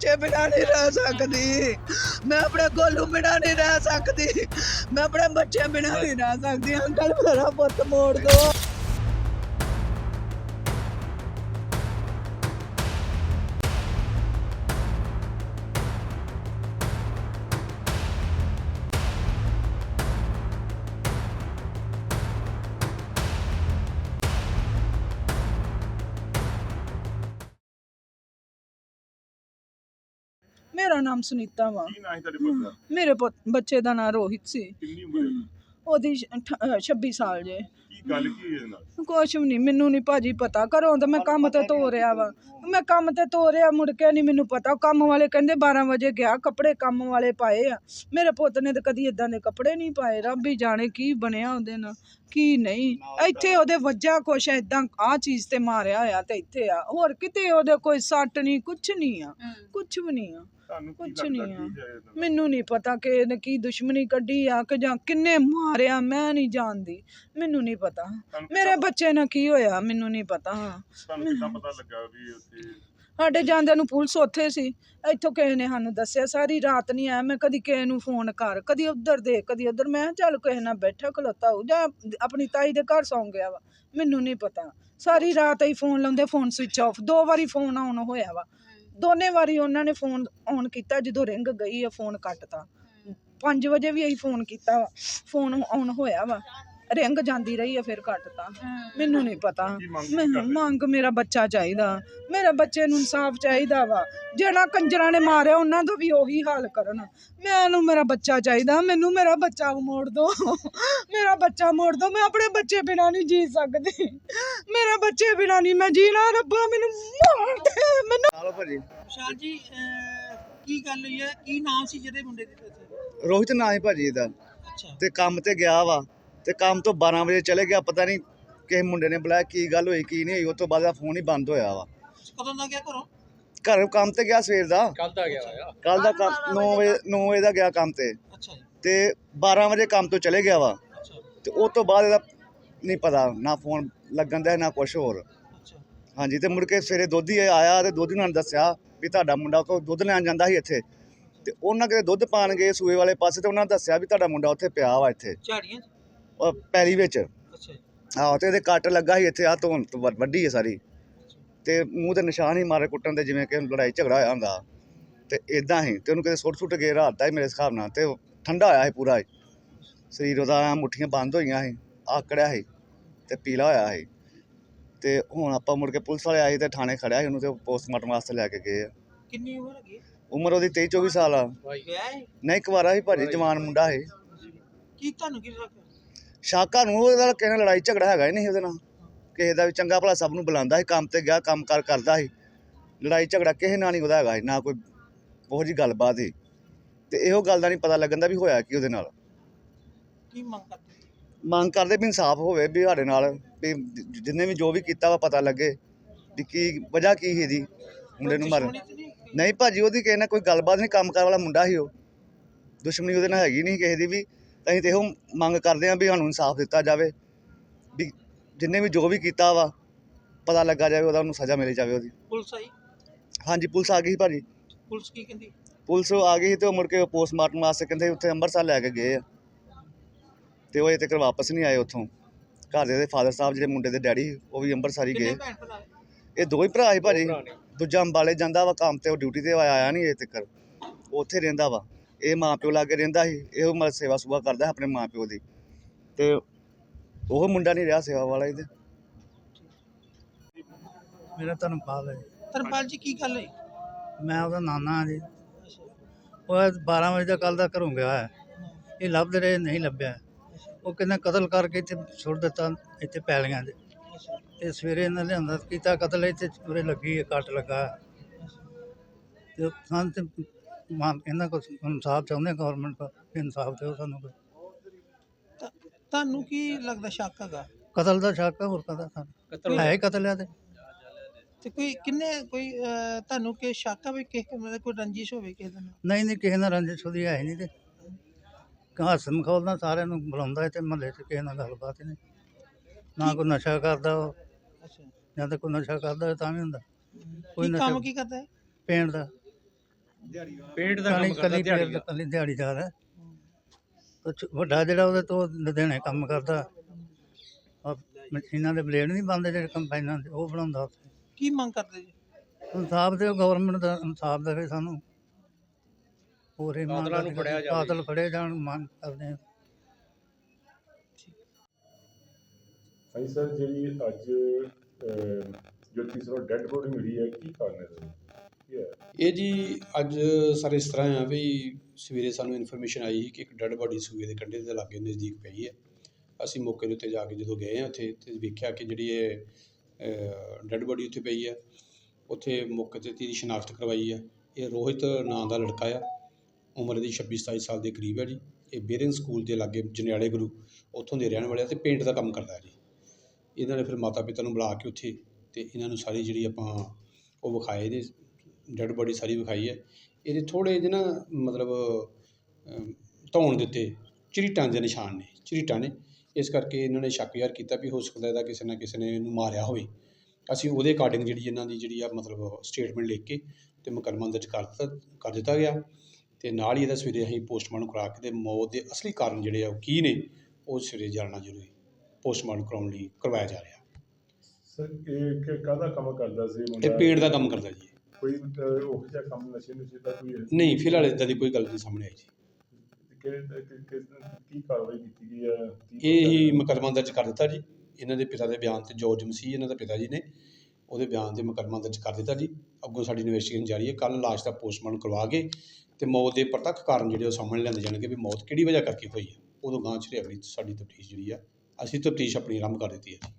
ਬੱਚੇ ਬਿਨਾਂ ਨਹੀਂ ਰਹਿ ਸਕਦੀ। ਮੈਂ ਆਪਣੇ ਗੋਲੂ ਬਿਨਾਂ ਨਹੀਂ ਰਹਿ ਸਕਦੀ। ਮੈਂ ਆਪਣੇ ਬੱਚੇ ਬਿਨਾਂ ਨਹੀਂ ਰਹਿ ਸਕਦੀ। ਅੰਕਲ ਮੇਰਾ ਪੁੱਤ ਮੋੜ ਦੋ। ਮੇਰਾ ਨਾਮ ਸੁਨੀਤਾ ਵਾ। ਕੀ ਨਾਂ ਸੀ ਤੁਹਾਡੇ ਪੁੱਤ ਦਾ? ਮੇਰੇ ਬੱਚੇ ਦਾ ਨਾਂ ਰੋਹਿਤ ਸੀ। ਕਿੰਨੀ ਉਮਰ ਹੈ? ਉਹਦੀ 26 ਸਾਲ ਜੇ। ਕੀ ਗੱਲ ਕੀ ਹੋਈ ਇਹਦੇ ਨਾਲ? ਕੁਛ ਵੀ ਨਹੀਂ, ਮੈਨੂੰ ਨਹੀਂ ਭਾਜੀ ਪਤਾ। ਘਰੋਂ ਤਾਂ ਮੈਂ ਕੰਮ ਤੇ ਤੋਰਿਆ ਵਾ। ਮੈਂ ਕੰਮ ਤੇ ਤੋਰਿਆ, ਮੁੜ ਕੇ ਨਹੀਂ ਮੈਨੂੰ ਪਤਾ। ਕੰਮ ਵਾਲੇ ਕਹਿੰਦੇ 12 ਵਜੇ ਗਿਆ, ਕੱਪੜੇ ਕੰਮ ਵਾਲੇ ਪਾਏ ਆ। ਮੇਰੇ ਪੁੱਤ ਨੇ ਤਾਂ ਕਦੀ ਇਦਾਂ ਦੇ ਕੱਪੜੇ ਨਹੀਂ ਪਾਏ। ਰੱਬ ਹੀ ਜਾਣੇ ਕੀ ਬਣਿਆ ਉਹਦੇ ਨਾਲ ਕੀ ਨਹੀਂ। ਇੱਥੇ ਉਹਦੇ ਵੱਜਾ ਕੁਛ ਏਦਾਂ ਆਹ ਚੀਜ਼ ਤੇ ਮਾਰਿਆ ਹੋਇਆ ਤੇ ਇੱਥੇ ਆ, ਹੋਰ ਕਿਤੇ ਉਹਦੇ ਕੋਈ ਸੱਟ ਨਹੀਂ, ਕੁਛ ਨਹੀਂ ਆ, ਕੁਛ ਵੀ ਨਹੀਂ ਆ, ਕੁਛ ਨਹੀਂ ਆ। ਮੈਨੂੰ ਨਹੀਂ ਪਤਾ ਕਿ ਇਹਨੇ ਕੀ ਦੁਸ਼ਮਣੀ ਕੱਢੀ ਆ ਕਿ ਜਾਂ ਕਿੰਨੇ ਮਾਰਿਆ, ਮੈਂ ਨਹੀਂ ਜਾਣਦੀ, ਮੈਨੂੰ ਨਹੀਂ ਪਤਾ। ਮੇਰੇ ਬੱਚੇ ਨਾਲ ਕੀ ਹੋਇਆ ਮੈਨੂੰ ਨਹੀਂ ਪਤਾ। ਤੁਹਾਨੂੰ ਕਿੱਦਾਂ ਪਤਾ ਲੱਗਾ ਵੀ ਉੱਥੇ? ਸਾਡੇ ਜਾਂਦਿਆਂ ਨੂੰ ਪੁਲਿਸ ਉੱਥੇ ਸੀ। ਇੱਥੋਂ ਕਿਸੇ ਨੇ ਸਾਨੂੰ ਦੱਸਿਆ, ਸਾਰੀ ਰਾਤ ਨਹੀਂ ਆਇਆ। ਮੈਂ ਕਦੀ ਕਿਸੇ ਨੂੰ ਫੋਨ ਕਰ, ਕਦੀ ਉੱਧਰ ਦੇ, ਕਦੀ ਉੱਧਰ। ਮੈਂ ਕਿਹਾ ਚੱਲ ਕਿਸੇ ਨਾਲ ਬੈਠਾ ਖਲੋਤਾ ਹੋਊ ਜਾਂ ਆਪਣੀ ਤਾਈ ਦੇ ਘਰ ਸੌਂ ਗਿਆ ਵਾ, ਮੈਨੂੰ ਨਹੀਂ ਪਤਾ। ਸਾਰੀ ਰਾਤ ਹੀ ਫੋਨ ਲਾਉਂਦੇ, ਫੋਨ ਸਵਿਚ ਆਫ। 2 ਵਾਰੀ ਫੋਨ ਆਨ ਹੋਇਆ ਵਾ, ਦੋਨੇ ਵਾਰੀ ਉਹਨਾਂ ਨੇ ਫੋਨ ਆਨ ਕੀਤਾ। ਜਦੋਂ ਰਿੰਗ ਗਈ ਆ ਫੋਨ ਕੱਟਤਾ। 5 ਵਜੇ ਵੀ ਅਸੀਂ ਫੋਨ ਕੀਤਾ ਵਾ, ਫੋਨ ਆਨ ਹੋਇਆ ਵਾ, ਰਿੰਗ ਜਾਂਦੀ ਰਹੀ ਆ, ਫਿਰ ਕੱਟਤਾ। ਮੈਨੂੰ ਨਹੀਂ ਪਤਾ। ਮੰਗ ਮੇਰਾ ਬੱਚਾ ਚਾਹੀਦਾ, ਮੇਰੇ ਬੱਚੇ ਨੂੰ ਇਨਸਾਫ ਚਾਹੀਦਾ ਵਾ। ਜਿਹੜਾ ਕੰਜਰਾਂ ਨੇ ਮਾਰਿਆ ਉਹਨਾਂ ਦਾ ਵੀ ਉਹੀ ਹਾਲ ਕਰਨ। ਮੈਨੂੰ ਮੇਰਾ ਬੱਚਾ ਚਾਹੀਦਾ, ਮੈਨੂੰ ਮੇਰਾ ਬੱਚਾ ਮੋੜ ਦੋ, ਮੇਰਾ ਬੱਚਾ ਮੋੜ ਦੋ। ਮੈਂ ਆਪਣੇ ਬੱਚੇ ਬਿਨਾਂ ਨਹੀਂ ਜੀ ਸਕਦੀ, ਮੇਰੇ ਬੱਚੇ ਬਿਨਾਂ ਨਹੀਂ ਮੈਂ ਜੀਣਾ। ਰੱਬਾ ਮੈਨੂੰ ਮਾਰ ਦੇ। ਮੈਨੂੰ ਵਿਸ਼ਾਲ ਜੀ, ਕੀ ਗੱਲ ਹੋਈ ਹੈ? ਕੀ ਨਾਮ ਸੀ ਜਿਹਦੇ ਮੁੰਡੇ ਦੀ? ਰੋਹਿਤ ਨਾਂ ਹੈ ਭਾਜੀ ਇਹਦਾ। ਅੱਛਾ। ਤੇ ਕੰਮ ਤੇ ਗਿਆ ਵਾ, ਤੇ ਕੰਮ ਤੋਂ 12 ਵਜੇ ਚਲੇ ਗਿਆ। ਪਤਾ ਨਹੀਂ ਕਿਸੇ ਮੁੰਡੇ ਨੇ ਬੁਲਾਇਆ, ਕੀ ਗੱਲ ਹੋਈ ਕੀ ਨਹੀਂ ਹੋਈ। ਉਸ ਤੋਂ ਬਾਅਦ ਦਾ ਫੋਨ ਹੀ ਬੰਦ ਹੋਇਆ ਵਾ। ਕਦੋਂ ਦਾ ਗਿਆ ਘਰੋਂ? ਘਰ ਕੰਮ ਤੇ ਗਿਆ ਸਵੇਰ ਦਾ। ਕੱਲ ਦਾ ਗਿਆ। ਕੱਲ ਦਾ 9 ਵਜੇ ਦਾ ਗਿਆ ਕੰਮ ਤੇ। ਅੱਛਾ ਜੀ। ਤੇ 12 ਵਜੇ ਕੰਮ ਤੋਂ ਚਲੇ ਗਿਆ ਵਾ। ਅੱਛਾ। ਤੇ ਉਸ ਤੋਂ ਬਾਅਦ ਇਹਦਾ ਨਹੀਂ ਪਤਾ, ਨਾ ਫੋਨ ਲੱਗਣ ਦਾ ਨਾ ਕੁਛ ਹੋਰ। ਅੱਛਾ। ਹਾਂਜੀ। ਤੇ ਮੁੜ ਕੇ ਸਵੇਰੇ ਦੋਧੀ ਆਇਆ ਤੇ ਦੋਧੀ ਨਾਲ ਦੱਸਿਆ ਵੀ ਤੁਹਾਡਾ ਮੁੰਡਾ ਕੋ ਦੁੱਧ ਲੈਣ ਜਾਂਦਾ ਸੀ ਇੱਥੇ, ਤੇ ਉਹਨਾਂ ਕਿਤੇ ਦੁੱਧ ਪਾਣ ਗਏ ਸੂਏ ਵਾਲੇ ਪਾਸੇ, ਤੇ ਉਹਨਾਂ ਦੱਸਿਆ ਵੀ ਤੁਹਾਡਾ ਮੁੰਡਾ ਉੱਥੇ ਪਿਆ ਵਾ ਇੱਥੇ ਝਾੜੀਆਂ 'ਚ? ਪੈਲੀ ਵਿੱਚ। ਅੱਛਾ ਜੀ। ਆਹੋ। ਤੇ ਇਹਦੇ ਕੱਟ ਲੱਗਾ ਸੀ ਇੱਥੇ, ਆ ਧੋਣ ਵੱਡੀ ਹੈ ਸਾਰੀ, ਤੇ ਮੂੰਹ ਤੇ ਨਿਸ਼ਾਨ ਹੀ ਮਾਰੇ ਕੁੱਟਣ ਦੇ, ਜਿਵੇਂ ਕਿ ਲੜਾਈ ਝਗੜਾ ਹੋਇਆ ਹੁੰਦਾ। ਤੇ ਇਦਾਂ ਹੀ ਤੇ ਉਹਨੂੰ ਕਿਤੇ ਸੁੱਟ ਕੇ ਰਾਤ ਦਾ ਹੀ ਮੇਰੇ ਹਿਸਾਬ ਨਾਲ। ਤੇ ਠੰਡਾ ਹੋਇਆ ਸੀ ਪੂਰਾ ਸਰੀਰ ਉਹਦਾ, ਮੁੱਠੀਆਂ ਬੰਦ ਹੋਈਆਂ ਸੀ, ਆਕੜਿਆ ਸੀ ਤੇ ਪੀਲਾ ਹੋਇਆ ਸੀ। ਤੇ ਹੁਣ ਆਪਾਂ ਮੁੜ ਕੇ ਪੁਲਿਸ ਵਾਲੇ ਆਏ ਤੇ ਥਾਣੇ ਖੜਿਆ ਸੀ ਉਹਨੂੰ, ਤੇ ਪੋਸਟਮਾਰਟਮ ਵਾਸਤੇ ਲੈ ਕੇ ਗਏ ਆ। ਕਿੰਨੀ ਉਮਰ ਹੈਗੀ? ਉਮਰ ਉਹਦੀ 23-24 ਸਾਲ ਆ। ਵਿਆਹ ਹੈ? ਨਹੀਂ, ਕੁਵਾਰਾ ਸੀ ਭਾਜੀ, ਜਵਾਨ ਮੁੰਡਾ ਸੀ। ਕੀ ਤੁਹਾਨੂੰ ਕੀ ਲੱਗਦਾ? ਸ਼ਾਕਾ ਨੂੰ ਉਹਦੇ ਨਾਲ ਕਿਸੇ ਨਾਲ ਲੜਾਈ ਝਗੜਾ ਹੈਗਾ ਹੀ ਨਹੀਂ ਉਹਦੇ ਨਾਲ, ਕਿਸੇ ਦਾ ਵੀ। ਚੰਗਾ ਭਲਾ ਸਭ ਨੂੰ ਬੁਲਾਉਂਦਾ ਸੀ, ਕੰਮ ਤੇ ਗਿਆ, ਕੰਮ ਕਾਰ ਕਰਦਾ ਸੀ। ਲੜਾਈ ਝਗੜਾ ਕਿਸੇ ਨਾਲ ਨਹੀਂ ਉਹਦਾ ਹੈਗਾ ਸੀ, ਨਾ ਕੋਈ ਉਹੋ ਜਿਹੀ ਗੱਲਬਾਤ ਸੀ। ਤੇ ਇਹੋ ਗੱਲ ਦਾ ਨਹੀਂ ਪਤਾ ਲੱਗਣ ਦਾ ਵੀ ਹੋਇਆ ਕੀ ਉਹਦੇ ਨਾਲ। ਕੀ ਮੰਗ ਕਰਦੇ? ਮੰਗ ਕਰਦੇ ਵੀ ਇਨਸਾਫ ਹੋਵੇ, ਵੀ ਸਾਡੇ ਨਾਲ ਵੀ ਜਿੰਨੇ ਵੀ ਜੋ ਵੀ ਕੀਤਾ ਵਾ ਪਤਾ ਲੱਗੇ ਵੀ ਕੀ ਵਜ੍ਹਾ ਕੀ ਸੀ ਇਹਦੀ ਮੁੰਡੇ ਨੂੰ ਮਾਰਨ। ਨਹੀਂ ਭਾਜੀ, ਉਹਦੀ ਕਿਸੇ ਨਾਲ ਕੋਈ ਗੱਲਬਾਤ ਨਹੀਂ, ਕੰਮ ਕਾਰ ਵਾਲਾ ਮੁੰਡਾ ਸੀ ਉਹ। ਦੁਸ਼ਮਣੀ ਉਹਦੇ ਨਾਲ ਹੈਗੀ ਨਹੀਂ ਕਿਸੇ ਦੀ ਵੀ। ਅਸੀਂ ਤੇ ਇਹੋ ਮੰਗ ਕਰਦੇ ਹਾਂ ਵੀ ਸਾਨੂੰ ਇਨਸਾਫ ਦਿੱਤਾ ਜਾਵੇ, ਵੀ ਜਿੰਨੇ ਵੀ ਜੋ ਵੀ ਕੀਤਾ ਵਾ ਪਤਾ ਲੱਗਾ ਜਾਵੇ, ਉਹਨੂੰ ਸਜ਼ਾ ਮਿਲੀ ਜਾਵੇ ਉਹਦੀ। ਪੁਲਿਸ ਆਈ? ਹਾਂਜੀ, ਪੁਲਿਸ ਆ ਗਈ ਸੀ ਭਾਜੀ। ਪੁਲਿਸ ਕੀ ਕਹਿੰਦੀ? ਪੁਲਿਸ ਆ ਗਈ ਸੀ ਤੇ ਉਹ ਮੁੜ ਕੇ ਪੋਸਟਮਾਰਟਮ ਵਾਸਤੇ ਕਹਿੰਦੇ ਉੱਥੇ ਅੰਮ੍ਰਿਤਸਰ ਲੈ ਕੇ ਗਏ ਆ, ਤੇ ਉਹ ਅਜੇ ਤੱਕ ਵਾਪਸ ਨਹੀਂ ਆਏ ਉੱਥੋਂ। ਘਰ ਦੇ ਫਾਦਰ ਸਾਹਿਬ ਜਿਹੜੇ ਮੁੰਡੇ ਦੇ ਡੈਡੀ, ਉਹ ਵੀ ਅੰਮ੍ਰਿਤਸਰ ਹੀ ਗਏ। ਇਹ 2 ਹੀ ਭਰਾ ਸੀ ਭਾਜੀ। ਦੂਜਾ ਅੰਬਾਲੇ ਜਾਂਦਾ ਵਾ ਕੰਮ ਤੇ, ਉਹ ਡਿਊਟੀ ਤੇ ਆਇਆ ਨਹੀਂ ਅਜੇ ਤੱਕ, ਉੱਥੇ ਰਹਿੰਦਾ ਵਾ। ਇਹ ਮਾਂ ਪਿਓ ਲਾਗੇ ਰਹਿੰਦਾ ਸੀ, ਇਹੋ ਮਤਲਬ ਸੇਵਾ ਸੁਵਾ ਕਰਦਾ ਆਪਣੇ ਮਾਂ ਪਿਓ ਦੀ, ਤੇ ਉਹ ਮੁੰਡਾ ਨਹੀਂ ਰਿਹਾ ਸੇਵਾ ਵਾਲਾ ਇਹਦੇ। ਮੇਰਾ ਧਰਮਪਾਲ ਹੈ। ਧਰਮਪਾਲ ਜੀ, ਕੀ ਗੱਲ ਹੋਈ? ਮੈਂ ਉਹਦਾ ਨਾਨਾ ਹਾਂ ਜੀ। ਉਹ 12 ਵਜੇ ਦਾ ਕੱਲ੍ਹ ਦਾ ਘਰੋਂ ਗਿਆ ਹੈ, ਇਹ ਲੱਭਦੇ ਰਹੇ, ਨਹੀਂ ਲੱਭਿਆ। ਉਹ ਕਹਿੰਦਾ ਕਤਲ ਕਰਕੇ ਇੱਥੇ ਸੁੱਟ ਦਿੱਤਾ, ਇੱਥੇ ਪੈਲੀਆਂ 'ਚ। ਤੇ ਸਵੇਰੇ ਇਹਨਾਂ ਲਿਆਂਦਾ ਕੀਤਾ ਕਤਲ, ਇੱਥੇ ਉਰੇ ਲੱਗੀ ਹੈ, ਕੱਟ ਲੱਗਾ। ਤੇ ਸਾਨੂੰ ਤੇ ਇਹਨਾਂ ਕੋਲ ਇਨਸਾਫ ਚਾਹੁੰਦੇ, ਗੌਰਮੈਂਟ ਕੋਲ ਇਨਸਾਫ ਦਿਓ ਸਾਨੂੰ। ਤੁਹਾਨੂੰ ਕੀ ਲੱਗਦਾ ਸ਼ੱਕ ਹੈਗਾ? ਕਤਲ ਦਾ ਸ਼ੱਕ ਹੈ, ਹੋਰ ਕਾਹਦਾ ਸਾਨੂੰ ਹੈ ਹੀ ਕਤਲ ਆ। ਤੇ ਕੋਈ ਤੁਹਾਨੂੰ ਕਿ ਸ਼ੱਕ ਆ ਵੀ ਕਿਸੇ ਮਤਲਬ ਕੋਈ ਰੰਜਿਸ਼ ਹੋਵੇ ਕਿਸੇ ਨਾਲ? ਨਹੀਂ, ਕਿਸੇ ਨਾਲ ਰੰਜਿਸ਼ ਉਹਦੀ ਹੈ ਹੀ ਨਹੀਂ। ਤੇ ਹੱਸਣ ਮਖੌਲ ਸਾਰਿਆਂ ਨੂੰ ਬੁਲਾਉਂਦਾ, ਤੇ ਮਹੱਲੇ 'ਚ ਕਿਸੇ ਨਾਲ ਗੱਲਬਾਤ ਹੀ ਨਹੀਂ। ਨਾ ਕੋਈ ਨਸ਼ਾ ਕਰਦਾ ਉਹ, ਜਾਂ ਤਾਂ ਕੋਈ ਨਸ਼ਾ ਕਰਦਾ ਤਾਂ ਵੀ ਹੁੰਦਾ। ਕੋਈ ਕੰਮ ਕੀ ਕਰਦਾ ਹੈ? ਪੇਂਟ ਦਾ। ਪੇਂਟ ਦਾ ਕੰਮ ਕਰਦਾ ਦਿਹਾੜੀ ਕੱਲੀ ਦਿਹਾੜੀਦਾਰ ਹੈ। ਕੁਛ ਵੱਡਾ ਜਿਹੜਾ ਉਹਦੇ ਤੋਂ ਲੁਧਿਆਣੇ ਕੰਮ ਕਰਦਾ, ਆਹ ਮਸ਼ੀਨਾਂ ਦੇ ਬਲੇਡ ਨਹੀਂ ਬਣਦੇ ਜਿਹੜੇ ਕੰਬਾਈਨਾਂ ਦੇ, ਉਹ ਬਣਾਉਂਦਾ ਉੱਥੇ। ਕੀ ਮੰਗ ਕਰਦੇ ਜੀ? ਇਨਸਾਫ ਦੇ ਗਵਰਨਮੈਂਟ ਦਾ ਇਨਸਾਫ ਦੇਵੇ ਸਾਨੂੰ, ਪੂਰੇ ਕਾਤਲਾਂ ਨੂੰ ਫੜਿਆ ਜਾਵੇ। ਕਾਤਲ ਫੜੇ ਜਾਣ ਮੰਗ ਕਰਦੇ ਹਾਂ। ਹਾਂਜੀ ਸਰ, ਜਿਹੜੀ ਅੱਜ ਜੋ ਤੀਸਰਾ ਡੈੱਡ ਬੋਡੀ ਮਿਲੀ ਹੈ, ਕੀ ਕਾਰਨ ਹੈ ਸਰ? ਕੀ ਹੈ? ਇਹ ਜੀ ਅੱਜ ਸਰ ਇਸ ਤਰ੍ਹਾਂ ਆ ਵੀ ਸਵੇਰੇ ਸਾਨੂੰ ਇਨਫੋਰਮੇਸ਼ਨ ਆਈ ਸੀ ਕਿ ਇੱਕ ਡੈੱਡ ਬੋਡੀ ਸੂਏ ਦੇ ਕੰਢੇ ਦੇ ਲਾਗੇ ਨਜ਼ਦੀਕ ਪਈ ਹੈ। ਅਸੀਂ ਮੌਕੇ ਦੇ ਉੱਤੇ ਜਾ ਕੇ ਜਦੋਂ ਗਏ ਹਾਂ ਉੱਥੇ ਤੇ ਵੇਖਿਆ ਕਿ ਜਿਹੜੀ ਇਹ ਡੈੱਡ ਬੋਡੀ ਉੱਥੇ ਪਈ ਹੈ। ਉੱਥੇ ਮੌਕੇ 'ਤੇ ਦੀ ਸ਼ਨਾਖਤ ਕਰਵਾਈ ਹੈ। ਇਹ ਰੋਹਿਤ ਨਾਂ ਦਾ ਲੜਕਾ ਆ, ਉਮਰ ਦੀ 26-27 ਸਾਲ ਦੇ ਕਰੀਬ ਹੈ ਜੀ। ਇਹ ਬੇਰਿੰਗ ਸਕੂਲ ਦੇ ਲਾਗੇ ਜਨਿਆਲੇ ਗੁਰੂ ਉੱਥੋਂ ਦੇ ਰਹਿਣ ਵਾਲੇ ਆ ਅਤੇ ਪੇਂਟ ਦਾ ਕੰਮ ਕਰਦਾ ਜੀ। ਇਹਨਾਂ ਨੇ ਫਿਰ ਮਾਤਾ ਪਿਤਾ ਨੂੰ ਬੁਲਾ ਕੇ ਉੱਥੇ ਅਤੇ ਇਹਨਾਂ ਨੂੰ ਸਾਰੀ ਜਿਹੜੀ ਆਪਾਂ ਉਹ ਵਿਖਾਏ ਨੇ, ਡੈੱਡ ਬੋਡੀ ਸਾਰੀ ਵਿਖਾਈ ਹੈ। ਇਹਦੇ ਥੋੜ੍ਹੇ ਜਿਹੇ ਨਾ ਮਤਲਬ ਧੌਣ ਦੇ ਉੱਤੇ ਝਰੀਟਾਂ ਦੇ ਨਿਸ਼ਾਨ ਨੇ, ਝਰੀਟਾਂ ਨੇ। ਇਸ ਕਰਕੇ ਇਹਨਾਂ ਨੇ ਸ਼ੱਕ ਜ਼ਾਹਰ ਕੀਤਾ ਵੀ ਹੋ ਸਕਦਾ ਇਹਦਾ ਕਿਸੇ ਨਾ ਕਿਸੇ ਨੇ ਇਹਨੂੰ ਮਾਰਿਆ ਹੋਵੇ। ਅਸੀਂ ਉਹਦੇ ਅਕਾਰਡਿੰਗ ਜਿਹੜੀ ਇਹਨਾਂ ਦੀ ਜਿਹੜੀ ਆ ਮਤਲਬ ਸਟੇਟਮੈਂਟ ਲਿਖ ਕੇ ਅਤੇ ਮੁਕੱਦਮਾ ਦਰਜ ਕਰ ਦਿੱਤਾ ਗਿਆ ਅਤੇ ਨਾਲ ਹੀ ਇਹਦਾ ਸਵੇਰੇ ਅਸੀਂ ਪੋਸਟਮਾਰਟਮ ਕਰਾ ਕੇ ਅਤੇ ਮੌਤ ਦੇ ਅਸਲੀ ਕਾਰਨ ਜਿਹੜੇ ਆ ਉਹ ਕੀ ਨੇ ਉਹ ਸਵੇਰੇ ਜਾਣਨਾ ਜ਼ਰੂਰੀ ਪੋਸਟਮਾਰਟਮ ਕਰਾਉਣ ਲਈ ਕਰਵਾਇਆ ਜਾ ਰਿਹਾ। ਸਰ ਇਹ ਕਾਹਦਾ ਕੰਮ ਕਰਦਾ ਸੀ ਇਹ ਮੁੰਡਾ? ਪੇਂਟ ਦਾ ਕੰਮ ਕਰਦਾ ਜੀ। ਕੋਈ ਉਹ ਜਿਹਾ ਕੰਮ ਨਸ਼ੇ ਦਾ ਕੋਈ ਹੈ? ਨਹੀਂ, ਫਿਲਹਾਲ ਇੱਦਾਂ ਦੀ ਕੋਈ ਗੱਲ ਨਹੀਂ ਸਾਹਮਣੇ ਆਈ ਜੀ। ਕੀ ਕਾਰਵਾਈ ਕੀਤੀ ਗਈ ਹੈ? ਇਹ ਹੀ ਮੁਕੱਦਮਾ ਦਰਜ ਕਰ ਦਿੱਤਾ ਜੀ। ਇਹਨਾਂ ਦੇ ਪਿਤਾ ਦੇ ਬਿਆਨ 'ਤੇ ਜੋਰਜ ਮਸੀਹ ਇਹਨਾਂ ਦੇ ਪਿਤਾ ਜੀ ਨੇ ਉਹਦੇ ਬਿਆਨ 'ਤੇ ਮੁਕੱਦਮਾ ਦਰਜ ਕਰ ਦਿੱਤਾ ਜੀ। ਅੱਗੋਂ ਸਾਡੀ ਇਨਵੈਸਟੀਗੇਸ਼ਨ ਜਾਰੀ ਹੈ। ਕੱਲ੍ਹ ਲਾਸ਼ ਦਾ ਪੋਸਟਮਾਰਟਮ ਕਰਵਾ ਕੇ ਅਤੇ ਮੌਤ ਦੇ ਪ੍ਰਤੱਖ ਕਾਰਨ ਜਿਹੜੇ ਉਹ ਸਾਹਮਣੇ ਲਿਆਂਦੇ ਜਾਣਗੇ ਵੀ ਮੌਤ ਕਿਹੜੀ ਵਜ੍ਹਾ ਕਰਕੇ ਹੋਈ ਹੈ। ਉਦੋਂ ਗਾਂਹ 'ਚ ਅਗਲੀ ਸਾਡੀ ਤਫਤੀਸ਼ ਜਿਹੜੀ ਆ ਅਸੀਂ ਤਫਤੀਸ਼ ਆਪਣੀ ਆਰੰਭ ਕਰ ਦਿੱਤੀ ਹੈ ਜੀ।